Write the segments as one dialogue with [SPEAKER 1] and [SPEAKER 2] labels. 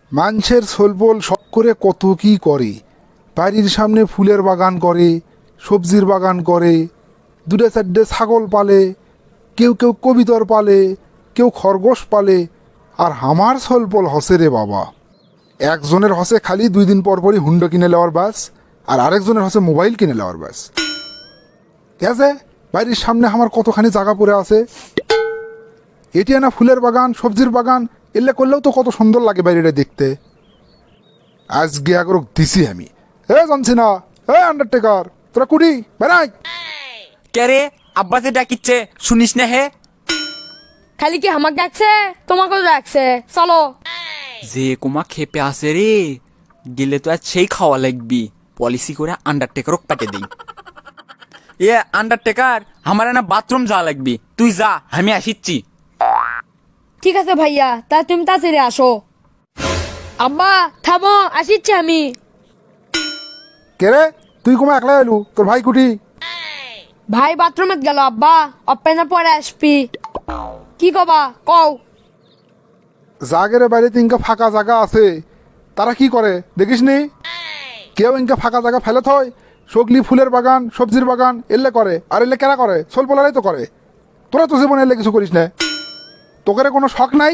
[SPEAKER 1] মানুষের সোলপোল শখ করে কত কি করে। বাড়ির সামনে ফুলের বাগান করে, সবজির বাগান করে, দুটো চারটে ছাগল পালে, কেউ কেউ কবিতর পালে, কেউ খরগোশ পালে। আর আমার সোলপোল হসে রে বাবা, একজনের হসে খালি 2 দিন পর পরই হুন্ডা কিনে নেওয়ার বাস, আর আরেকজনের হসে মোবাইল কিনে নেওয়ার বাস। আছে বাড়ির সামনে আমার কতখানি জায়গা পড়ে আছে, এটি না ফুলের বাগান সবজির বাগান এলে করলেও তো কত সুন্দর লাগে বাইরেটা দেখতে। আজকে একরক দিছি আমি, জানছি না, আন্ডারটেকার তোরা কুড়ি বেড়াই।
[SPEAKER 2] কে রে আব্বা যে ডাকিচ্ছে শুনিস না হে?
[SPEAKER 3] খালি কি আমাকে ডাকছে, তোমাকেও ডাকছে, চলো।
[SPEAKER 2] যে কুমা খেপে আসে রে, গেলে তো আজ সেই খাওয়া লাগবি। পলিসি করে আন্ডারটেকারও পাঠিয়ে দিই। এ আন্ডারটেকার, আমার না বাথরুম যাওয়া লাগবি, তুই যা, আমি আসিচ্ছি।
[SPEAKER 3] ঠিক আছে ভাইয়া, তা তুমি তাড়াতাড়ি আসো। আব্বা থামো, আসিচ্ছি আমি।
[SPEAKER 1] কে রে তুই কুমা একলা এলু, তোর ভাই কুটি?
[SPEAKER 3] ভাই বাথরুমে গেল আব্বা, অপেনা পরে আসবি। কি কবা কও?
[SPEAKER 1] জাগের বাইরে ইনকা ফাঁকা জায়গা আছে, তারা কি করে দেখিস নি? কেউ ইনকা ফাঁকা জায়গা ফেলে থয়, সগলি ফুলের বাগান সবজির বাগান এলে করে, আর এলে কেনা করে সোলপোলারাই তো করে। তোরা তো জীবনে এলে কিছু করিস না, তোকে কোনো শখ নাই?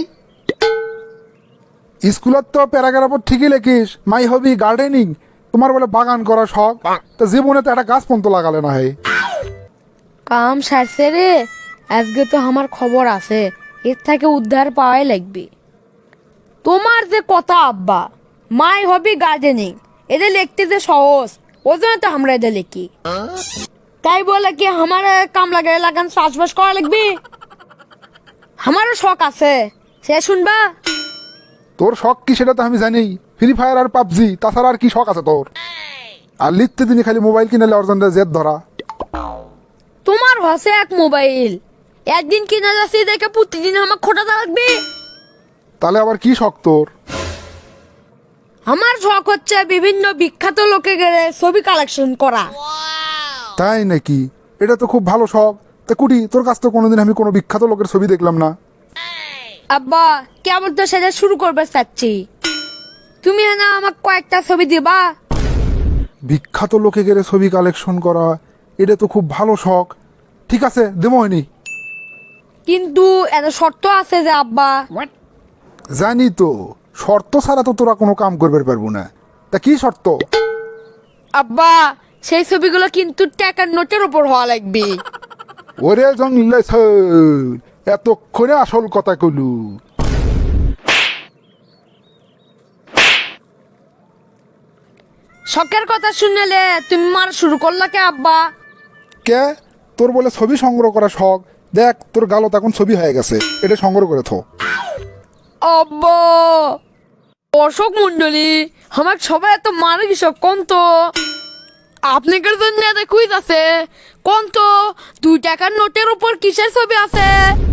[SPEAKER 1] স্কুলত তো প্যারাগ্রাফ ঠিকই লেখিস মাই হবি গার্ডেনিং, তোমার বলে বাগান করা শখ, তা জীবনে তো একটা গাছ পন্ত লাগালে না হয়।
[SPEAKER 3] কাম সারছে রে, আজকে তো আমার খবর আছে, এর থেকে উদ্ধার পাওয়াই লাগবে। তোমার যে কথা আব্বা, মাই হবি গার্ডেনিং, এদের লিখতে যে সহজ, ওই জন্য তো আমরা এদের লিখি। তাই বলে কি আমার কাম লাগে লাগান চাষবাস করা লাগবে? আমারও শখ আছে, সে শুনবা?
[SPEAKER 1] তোর শখ কি সেটা তো আমি জানি, ফ্রি ফায়ার আর পাবজি, তাছাড়া আর কি শখ আছে তোর? আর লিখতে দিনই খালি মোবাইল কিনে নেওয়ার জন্য জেদ ধরা।
[SPEAKER 3] তোমার হসে এক মোবাইল, একদিন কিনে যাচ্ছি দেখে প্রতিদিন আমার খোটাতে লাগবে।
[SPEAKER 1] তাহলে আবার কি শখ তোর?
[SPEAKER 3] আমার শখ হচ্ছে বিভিন্ন বিখ্যাত লোকে গেলে ছবি কালেকশন করা।
[SPEAKER 1] তাই নাকি? এটা তো খুব ভালো শখ। তা কুটি, তোর কাছ তো কোনোদিন আমি কোনো বিখ্যাত লোকের ছবি দেখলাম না।
[SPEAKER 3] আব্বা কেমন তো সেটা শুরু করবে চাচ্ছি, তুমি না আমাকে কয়েকটা ছবি দিবা?
[SPEAKER 1] বিখ্যাত লোকে গেলে ছবি কালেকশন করা, এটা তো খুব ভালো শখ। ঠিক আছে দেবো হয়নি।
[SPEAKER 3] কিন্তু এত শর্ত আছে যে আব্বা।
[SPEAKER 1] জানি তো, শর্ত ছাড়া তো তোরা কোনো কাম করবে পারবো না। তা কি শর্ত?
[SPEAKER 3] আব্বা সেই ছবিগুলো কিন্তু টাকার নোটের উপর হওয়া লাগবে।
[SPEAKER 1] ওরে জঙ্গলে এতক্ষণে আসল কথা কইলু।
[SPEAKER 3] শখের কথা শুনলে তুমি মার শুরু করলা কে আব্বা?
[SPEAKER 1] কে তোর বলে ছবি সংগ্রহ করা শখ? দেখ তোর গালত এখন ছবি হয়ে গেছে, এটা সংগ্রহ করে থো।
[SPEAKER 3] আব্বা অশোক মন্ডলী, আমার সবাই এত মারে কিসব কোন তো? আপনাদের জন্য এত কুইজ আছে কোন তো? 2 টাকার নোটের উপর কিসের ছবি আছে?